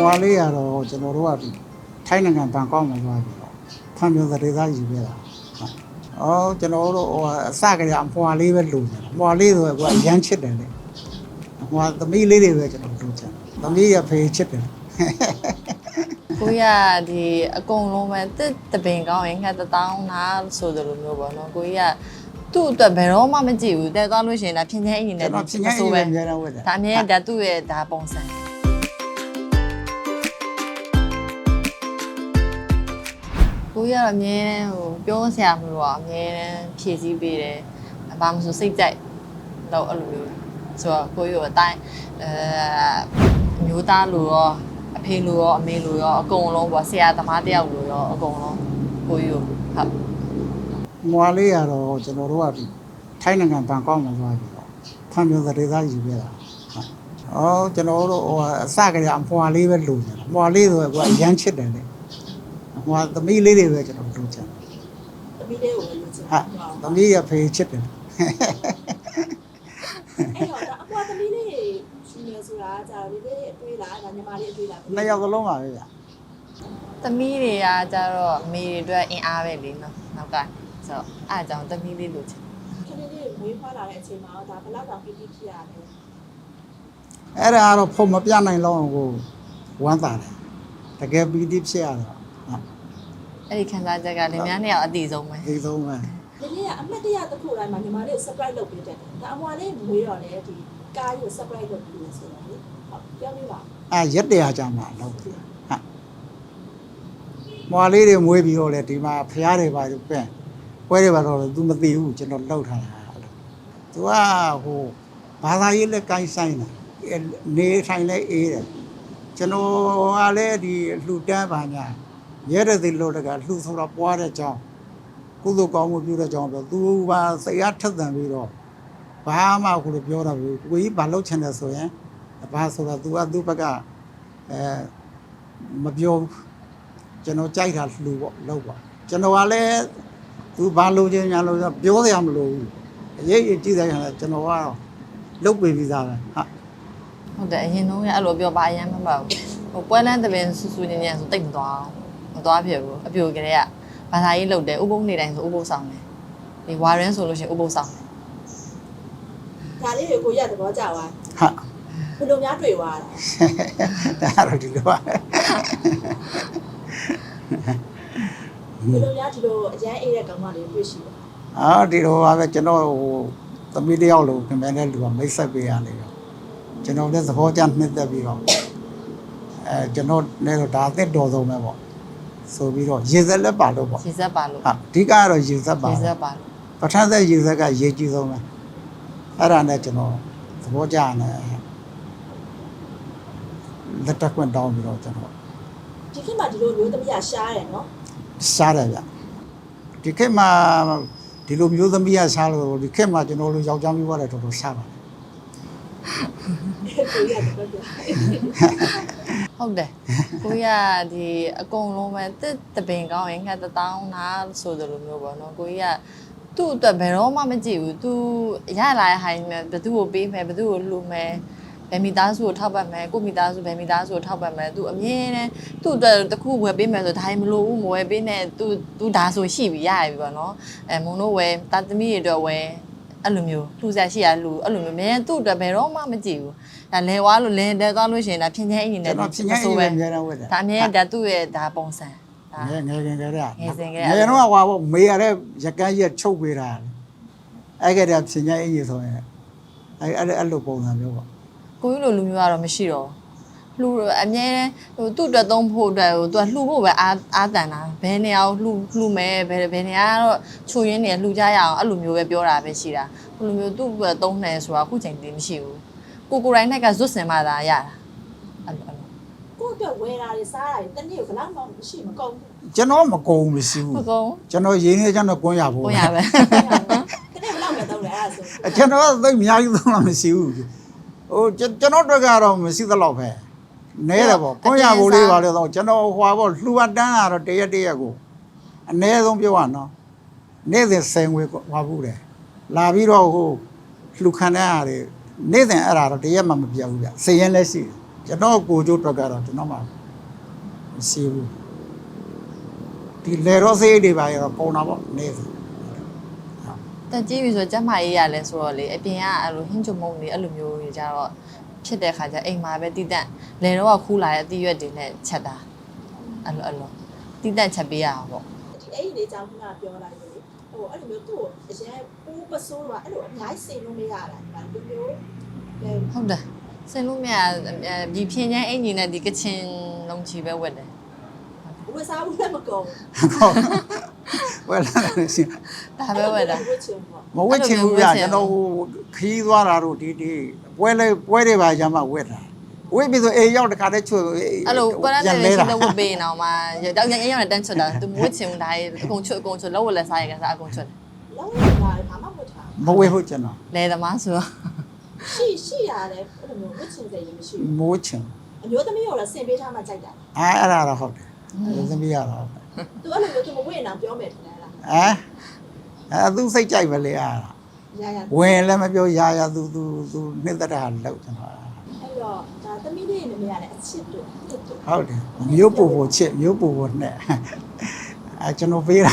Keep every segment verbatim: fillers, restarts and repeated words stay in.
ွာလေးရတော့ကျွန်တော်တို့ကထိုင်းနိုင်ငံဘန်ကောက်မှာသွားပြီးတော့ဖန်ပြသတေသားယူခဲ့တာ။အော်ကျွန်တော်တို့ဟိုအစကတည်းကအမွာလေးပဲလိုချင်တာ။အမွာလေးဆိုတော့အရန်ချစ်တယ်လေ။အမွာသမီးလေးတွေပဲကျွန်တော်လိုချင်တယ်။သမီးရဖေးချစ်တယ်။ကိုရဒီအကုန်လုံးပဲတစ်တပင်ကောင်းရင်ငှက်တောင်းနာဆိုတယ်လို့မျိုးပေါ့နော်။ကိုရသူ့အတွက်ဘယ်တော့မှမကြည့်ဘူး။တဲသွားလို့ရှိရင်ဒါဖြင်းချင်းအင်းနဲ့ဖြင်းချင်းအင်းနဲ့အများအားဝတ်တယ်။ဒါအမြဲဒါသူ့ရဲ့ဒါပုံစံကိုရအမြဲတမ်းဟိုပြောစရာမလိုတော့အမြဲတမ်းဖြည့်ဆည်းပေးတယ်။ဘာမှမဆိုစိတ်ကြိုက်တော့အဲ့လိုမျိုးဆိုတော့ကိုရအတိုင်းအဲမျိုးသားလိုရောအဖေလိုရောအမေလိုရောအကုန်လုံးပေါ့ဆရာသမားတယောက်လိုရောအကုန်လုံးကိုရဟုတ်မွာလေးရတော့ကျွန်တော်တို့ကထိုင်းနိုင်ငံဘန်ကောက်မှာသွားပြီးတော့ဖန်ပြသတေသားယူခဲ့တာဟုတ်အော်ကျွန်တော်တို့ဟိုအစကတည်းကအမွာလေးပဲလိုချင်တာအမွာလေးဆိုတော့အရန်ချစ်တယ်လေဟိုသမီးလေးတွေပဲကျွန်တော်လိုချင်သမီးလေးကိုလိုချင်ဟာသမီးရဖေးချစ်တယ်အဲ့တော့အမွာသမီးလေးရှင်နေဆိုတာကြာလေးလေးအတွေးလားဒါညီမလေးအတွေးလားနှစ်ယောက်စလုံးပါပဲဗျသမီးတွေကကြတော့အမေတွေအတွက်အင်အားပဲလေနော်နောက်ကဆိုတော့အားကြောင့်သမီးလေးလိုချင်ခဏလေးမွေးဖွားလာတဲ့အချိန်မှာဒါဘယ်လောက်တောင်ပြည့်ပြည့်ဖြစ်ရလဲအဲ့ဒါကတော့ဖုံမပြနိုင်လောက်အောင်ကိုဝမ်းသာတယ်တကယ်ပီတိဖြစ်ရတော့အဲ့ဒီခံစားချက်ကလင်မယားနှစ်ယောက်အတိဆုံးပဲအတိဆုံးပဲဒီနေ့ကအမတ်တရတစ်ခုတိုင်းမှာညီမလေးကို surprise လုပ်ပေးတယ်ဒါအမွာလေးမွေးတော့လေဒီကားကို surprise လုပ်ပေးလို့ဆိုတော့လေဟုတ်ပြောပြပါအဲရက်တရာကြာမှလောက်ပြီဟာမွာလေးတွေမွေးပြီးတော့လေဒီမှာဖျားတွေပါပြဲပွဲတွေပါတော့ तू မသိဘူးကျွန်တော်လှုပ်ထားတာ။ तू ကဟိုဘာသာရေးလက်ကိုင်းဆိုင်တာနေထိုင်လဲအေးတယ်ကျွန်တော်ကလည်းဒီလှူတန်းပါညာရဲတဲ့စီလို့တကလှူဆိုတော့ပွားတဲ့ကြောင်းကုသိုလ်ကောင်းမှုပြုတဲ့ကြောင်းပြော तू ပါစိတ်အားထက်သန်ပြီးတော့ဘာမှကိုလည်းပြောတာဘူးကိုကြီးဘာလုပ်ချင်တယ်ဆိုရင်ဘာဆိုတော့ तू ကသူ့ဘက်ကအဲမပြောကျွန်တော်ကြိုက်တာလှူပေါ့လုပ်ပါကျွန်တော်ကလည်းသူဘာလို့ချင်းညာလို့ပြောစရာမလိုဘူးအရေးကြီးကြည့်တဲ့ခါကျကျွန်တော်ကလုတ်ပေးပြီးသားပဲဟာဟုတ်တယ်အရင်ဆုံးကအဲ့လိုပြောပါအရင်မှမဟုတ်ဟိုပွဲလန်းတပင်ဆူဆူညင်ညင်ဆိုတိတ်မသွားမသွားဖြစ်ဘူးအပြိုကလေးကဘာသာရေးလုတ်တယ်ဥပုံနေတိုင်းဆိုဥပုံဆောင်တယ်ဒီဝါရင်းဆိုလို့ရှိရင်ဥပုံဆောင်တယ်ဒါလေးကိုရတဲ့ဘောကြသွားဟာဘယ်လိုများတွေ့သွားတာဒါတော့ဒီလိုပါဘယ်လိုများဒီလိုအရန်အေးတဲ့ကောင်မလေးတွေ့ရှိလဲအာဒီလိုပါပဲကျွန်တော်ဟိုသမီးတယောက်လို့ခင်ဗျားနဲ့လူကမိတ်ဆက်ပေးရလေတော့ကျွန်တော်လည်းသဘောကျနှစ်သက်ပြီးတော့အဲကျွန်တော်လည်းဒါအသက်တော်ဆုံးပဲပေါ့ဆိုပြီးတော့ရေစက်လည်းပါလို့ပေါ့ရေစက်ပါလို့ဟာအဓိကကတော့ရေစက်ပါရေစက်ပါလို့ပထမဆက်ရေစက်ကရေကြီးဆုံးပဲအဲ့ဒါနဲ့ကျွန်တော်သဘောကျနေလက်တက်ခွင့်တောင်းပြီးတော့ကျွန်တော်ဒီခေတ်မှာဒီလိုမျိုးသမီးကရှားတယ်နော်ရှားတယ်ဗျဒီခေတ်မှာဒီလိုမျိုးသမီးကရှားလို့ဒီခေတ်မှာကျွန်တော်တို့ယောက်ျားမျိုးရတယ်တော်တော်ရှားပါတယ်ဟုတ်တယ်ကိုရဒီအကုန်လုံးပဲတစ်တပင်ကောင်းရင်ငှက်တောင်းနာဆိုတယ်လို့မျိုးပေါ့နော်ကိုရသူ့အတွက်ဘယ်တော့မှမကြည့်ဘူးသူရလာတဲ့ဟာနဲ့ဘယ်သူ့ကိုပေးမယ်ဘယ်သူ့ကိုလှူမယ်ဘယ်မိသားစုကိုထောက်ပတ်မယ်ကိုမိသားစုဘယ်မိသားစုကိုထောက်ပတ်မယ်သူအမြဲတမ်းသူ့အတွက်တခုဝယ်ပေးမယ်ဆိုဒါမှမလို့ဘူးမဝယ်ပေးနဲ့သူသူဒါဆိုရှိပြီရပြီပေါ့နော်အဲမုံတို့ဝယ်တာသမီးတွေအတွက်ဝယ်အဲ့လိုမျိုးလှူစရာရှိရလှူအဲ့လိုမျိုးမင်းသူ့အတွက်ဘယ်တော့မှမကြည့်ဘူးဒါလဲဝါလို့လဲတဲသွားလို့ရှိရင်ဒါဖြင်းချင်းအင်းနဲ့ဖြင်းချင်းအင်းနဲ့အများအားဝတ်တယ်ဒါအမြဲဒါသူ့ရဲ့ဒါပုံစံဒါငယ်ငယ်ငယ်ကလေးငယ်စဉ်ကလေးငယ်တော့ဟွာပေါ့မေရတဲ့ရကန်းရက်ချုပ်ပေးတာအဲ့ကတည်းကဖြင်းချင်းအင်းကြီးဆိုရင်အဲ့အဲ့အဲ့လိုပုံစံမျိုးပေါ့ကိုကြီးလိုလူမျိုးကတော့မရှိတော့လှူအမြဲဟိုသူ့အတွက်သုံးဖို့အတွက်ဟိုသူကလှူဖို့ပဲအားအားတန်တာဘယ်နေရာကိုလှူလှူမယ်ဘယ်ဘယ်နေရာကတော့ချိုရင်းနေလှူကြရအောင်အဲ့လိုမျိုးပဲပြောတာပဲရှိတာဟိုလိုမျိုးသူ့အတွက်သုံးတယ်ဆိုတာအခုချိန်တည်းမရှိဘူးကိုကိုတိုင်းနဲ့ကဇွတ်စင်မှသာရတာအဲ့လိုအဲ့လိုကိုအတွက်ဝယ်တာတွေစားတာတွေတနေ့ဘယ်လောက်မှမရှိမကုန်ဘူးကျွန်တော်မကုန်မရှိဘူးမကုန်ကျွန်တော်ရင်းနေကျွန်တော်ကွန်းရဖို့ကွန်းရပဲတနေ့ဘယ်လောက်ပဲသုံးလဲအဲ့ဒါဆိုကျွန်တော်သိအများကြီးသုံးလို့မရှိဘူးဟိုကျွန်တော်တို့ကတော့မရှိသလောက်ပဲနဲတယ်ပေါ့ကွန်းရဖို့လေးပါလို့တော့ကျွန်တော်ဟွာပေါ့လှူအပ်တန်းကတော့တရက်တရက်ကိုအနည်းဆုံးပြောရနော်နေ့စဉ်ဆယ်ငွေဟွာဘူးတယ်လာပြီးတော့ဟိုလှူခံတဲ့အားတွေနေ့စဉ်အဲ့ဒါတော့တရက်မှမပြတ်ဘူးဗျစည်ရင်လည်းရှိတယ်ကျွန်တော်ကိုကျိုးတော့ကတော့ကျွန်တော်မှမရှိဘူးဒီလေရောစေးတွေပါရောပုံတာပေါ့နေဆိုတက်ကြီးပြီဆိုကျမကြီးရလဲဆိုတော့လေအပြင်ကအဲ့လိုဟင်းချုံမုံတွေအဲ့လိုမျိုးတွေကြတော့ဖြစ်တဲ့ခါကျအိမ်မှာပဲတိတက်လေတော့ကခူးလာတဲ့အသီးရွက်တွေနဲ့ချက်တာအဲ့လိုအဲ့လိုတိတက်ချက်ပေးရအောင်ပေါ့ဒီအဲ့ဒီလေးကြောင့်ခုနပြောလိုက်လို့လေဟိုအဲ့လိုမျိုးသူ့ကိုအရင်ပိုးပစိုးတော့အဲ့လိုအများကြီးစင်လို့မရတာဒီမှာဒီမျိုးအဲဟုတ်တယ်စင်လို့မြတ်ဒီဖြင်းချမ်းအင်ဂျင်နဲ့ဒီကချင်လုံးချီပဲဝက်တယ်ဝစားဘူးလည်းမကုန်ဝယ်လာတယ်ရှင်ဒါပဲဝက်တာဝတ်ချင်ပေါ့မဝက်ချင်ဘူးဗျကျွန်တော်ခီးသွားတာတို့ဒီဒီပွဲလေပွဲတွေပါရမှဝက်တာဝက်ပြီးဆိုအေးရောက်တခါတည်းချွတ်အဲ့လိုကွာရတဲ့ရှင်တဲ့ဝက်ပေးနေအောင်မှာရောက်ရင်ရောက်နေတန်းချွတ်တာသူမဝက်ချင်ဘူးဒါအကုန်ချွတ်အကုန်ချွတ်လောက်ဝက်လက်စားရကစားအကုန်ချွတ်လောက်လာဘာမှမဝတ်ထားမဝက်ဟုတ်ကျွန်တော်လဲသမားဆိုတော့ရှိရှိရတယ်အဲ့လိုမျိုးဝတ်ချင်စိတ်မရှိဘူးမိုးချင်အမျိုးသမီးရောလည်းဆင်ပေးထားမှကြိုက်တာအဲအဲ့ဒါတော့ဟုတ်တယ်သမီးရတော့သူအဲ့လိုမျိုးသူမဝတ်အောင်ပြောမယ်ထင်လားအဲအဲသူစိတ်ကြိုက်ပဲလေအားရရဝင်လည်းမပြောရရသူသူသူနှစ်သက်တာလောက်ကျွန်တော်အဲ့တော့ဒါသမီးလေးနဲ့မရတဲ့အချစ်တို့တစ်တို့ဟုတ်တယ်မျိုးပူပူချစ်မျိုးပူပူနဲ့အဲကျွန်တော်ပေးတာ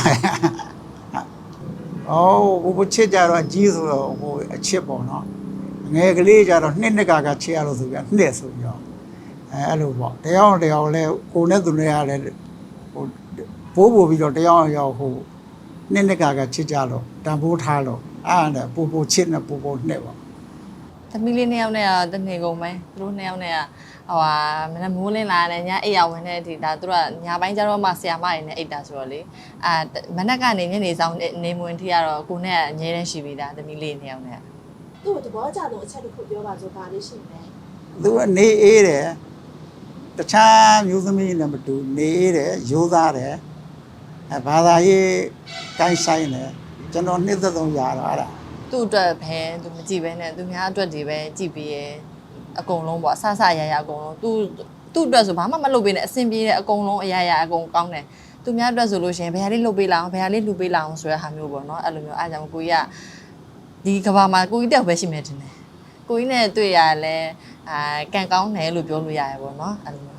အော်ပူပူချစ်ကြတော့အကြီးဆိုတော့ဟိုအချစ်ပေါ့နော်ငယ်ကလေးကြတော့နှစ်နှစ်ကကချစ်ရလို့ဆိုပြနှစ်ဆိုပြီးတော့အဲအဲ့လိုပေါ့တယောက်တယောက်လဲကိုနဲ့သူနဲ့ရတယ်ဟိုဘိုးပူပြီးတော့တယောက်ယောက်ဟိုနှစ်နှစ်ကကချစ်ကြလို့တန်ဖိုးထားလို့အားနဲ့ပူပူချစ်နဲ့ပူပူနှစ်ပေါ့သမီးလေးနှစ်ယောက်နဲ့ကတနေကုန်ပဲသူတို့နှစ်ယောက်နဲ့ကဟိုဟာမနက်မိုးလင်းလာတယ်ညအိပ်ရဝင်တဲ့ဒီဒါသူတို့ကညပိုင်းကျတော့မှဆရာမတွေနဲ့အိပ်တာဆိုတော့လေအာမနက်ကနေညနေဆောင်နေမဝင်ထိရတော့ကိုနဲ့ကအငြင်းတန်းရှိပြီးသားသမီးလေးနှစ်ယောက်နဲ့သူ့ကိုသဘောကျတော့အချက်တစ်ခုပြောပါဆိုပါလေးရှိမယ်သူကနေအေးတယ်တခြားမျိုးသမီးနဲ့မတူနေအေးတယ်ရိုးသားတယ်အဲဘာသာရေးကိုင်းဆိုင်တယ်ကျွန်တော်နှစ်သက်ဆုံးရတော့အဲ့ဒါသူ့အတွက်ပဲသူမကြည့်ပဲနဲ့သူများအတွက်တွေပဲကြည့်ပြီးရအကုန်လုံးပေါ့အဆဆရရအကုန်လုံးသူသူ့အတွက်ဆိုဘာမှမလုပ်ပေးနဲ့အဆင်ပြေတဲ့အကုန်လုံးအရာရာအကုန်ကောင်းတယ်သူများအတွက်ဆိုလို့ရှိရင်ဘယ်ဟာလေးလုပ်ပေးလာအောင်ဘယ်ဟာလေးလှူပေးလာအောင်ဆိုတဲ့ဟာမျိုးပေါ့နော်အဲ့လိုမျိုးအားကြောင့်ကိုကြီးကဒီကဘာမှာကိုကြီးတက်ပဲရှိမယ်တင်တယ်ကိုကြီးနဲ့တွေ့ရလဲအာကန်ကောင်းတယ်လို့ပြောလို့ရတယ်ပေါ့နော်အဲ့လိုမျိုး